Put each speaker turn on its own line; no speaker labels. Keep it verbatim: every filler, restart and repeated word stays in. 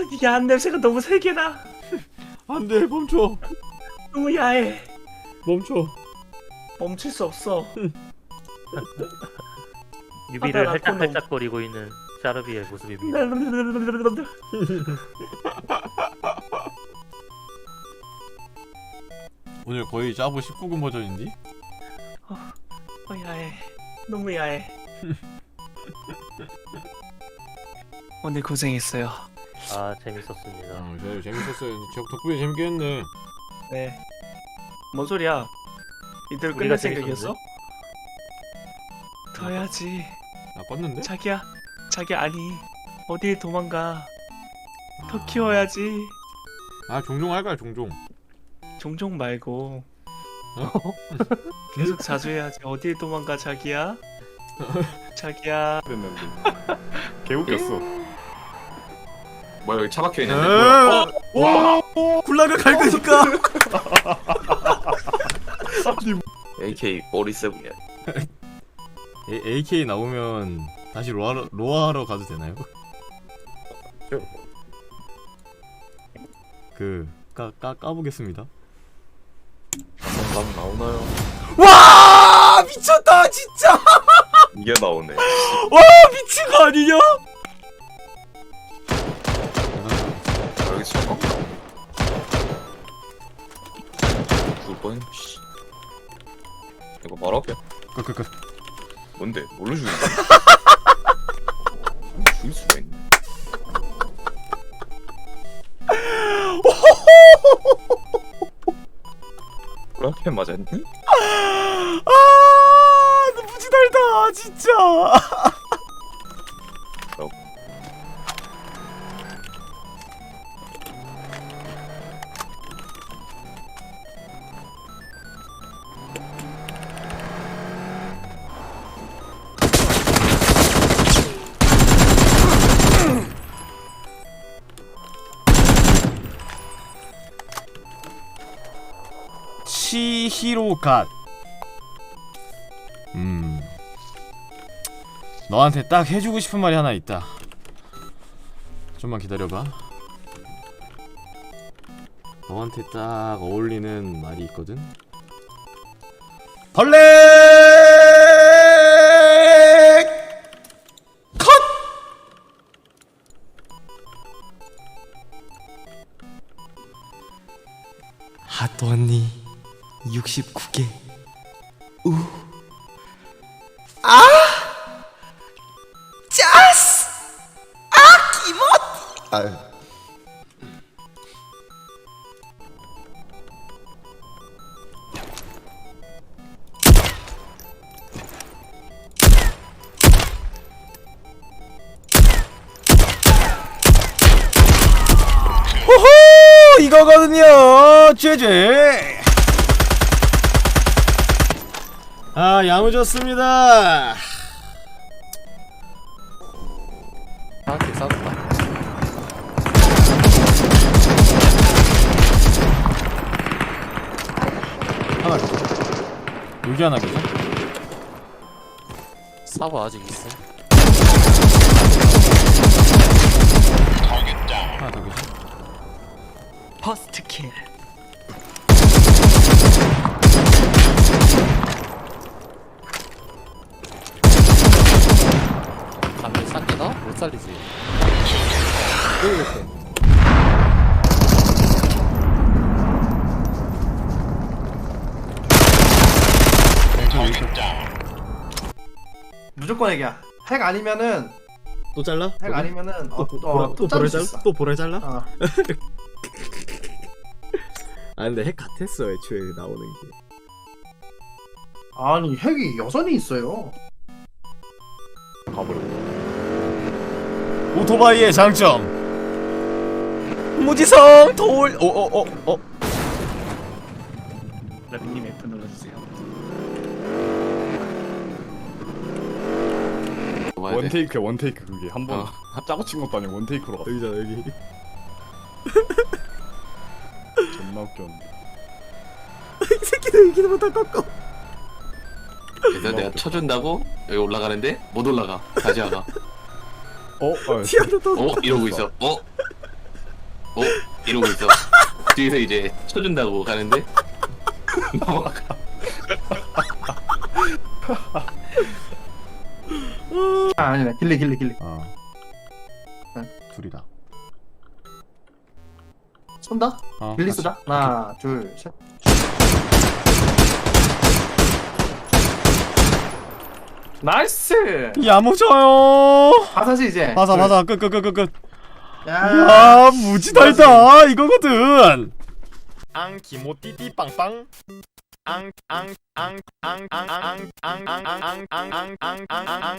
야한 냄새가 너무 세게 나.
안돼 멈춰
너무 야해.
멈춰.
멈출 수 없어.
유비를
하다가 코너.
할짝할짝거리고 있는 샤르비의 모습입니다.
오늘 거의 짜부 십구 금 버전인데?
어, 어 야해. 너무 야해. 오늘 고생했어요.
아 재밌었습니다.
어, 저 재밌었어요. 저 덕분에 재밌게 했네.
네. 뭔 소리야? 이대로
우리가
끝낼 생각이었어? 더 해야지.
나 껐는데?
자기야, 자기 아니. 어딜 도망가. 더
아.
키워야지.
아 종종 할 거야 종종.
종종 말고
어?
계속 자주 해야지. 어딜 도망가 자기야? 자기야.
됐는데 개웃겼어. 뭐야 여기 차 박혀
에이,
있는데? 뭐야? 어?
와 굴라가 갈 거니까.
에이케이 사십칠이야.
에이케이 나오면 다시 로아로 로아하러 가도 되나요? 그까까 까보겠습니다.
감 나오나요?
와 미쳤다 진짜.
이게 나오네.
와 미친 거 아니냐?
아, 여기 잠깐 나오네. 두 번. 씨. 이거 바로 앞에.
끝끝끝.
뭔데? 뭘로 죽이는 거야? 죽일 수가 있네. 그렇게 맞았니?
아 너무 지달다 진짜.
어.
치히로갓. 음 너한테 딱 해주고 싶은 말이 하나 있다. 좀만 기다려봐. 너한테 딱 어울리는 말이 있거든. 벌레 컷.
하도 언니 육십구 개. 우. 아! 짜스! 아, 기모티! 아유.
호호 이거거든요. 죄죄. 아 야무졌습니다.
나한테 싸웠다.
하나 계죠. 여기 하나 계죠.
사보 아직 있어.
하나 더 계죠.
퍼스트 킬.
가면 살리나? 못 살리지.
무조건 핵이야. 핵 아니면은
또 잘라?
핵 아니면은 어,
또,
또,
보라,
또
또
자를
보라
수
잘라?
있어.
또 보라 잘라?
어.
아 근데 핵 같았어 애초에 나오는 게.
아니 핵이 여전히 있어요.
가버려.
오토바이의 장점. 무지성 돌. 오오오 어.
라비님 F 눌러주세요.
원테이크야 원테이크 그게 한번 어. 짜고 친 것도 아니고 원테이크로 갔어.
여기잖아 여기.
존나 웃겼는데.
이 새끼들 이기는 못할 꺾어.
그래서 내가 쳐준다고 여기 올라가는데 못 올라가. 다시 와가.
어? 아,
티 하나 더.
어? 이러고 있어. 어? 어? 이러고 있어. 뒤에서 이제 쳐준다고 가는데 넘어가.
아 아니네 길리 길리 길리.
어.
응.
둘이다.
쏜다?
어.
길리
같이.
쏘자. 하나 둘 셋. 나이스.
야무져요.
바사지 이제.
맞아
둘.
맞아 끝 끝 끝 끝끝.
야.
야 무지달다 이거거든. 앙 기모띠띠 빵빵. 앙 앙 앙 앙 앙 앙 앙 앙 앙 앙 앙 앙 앙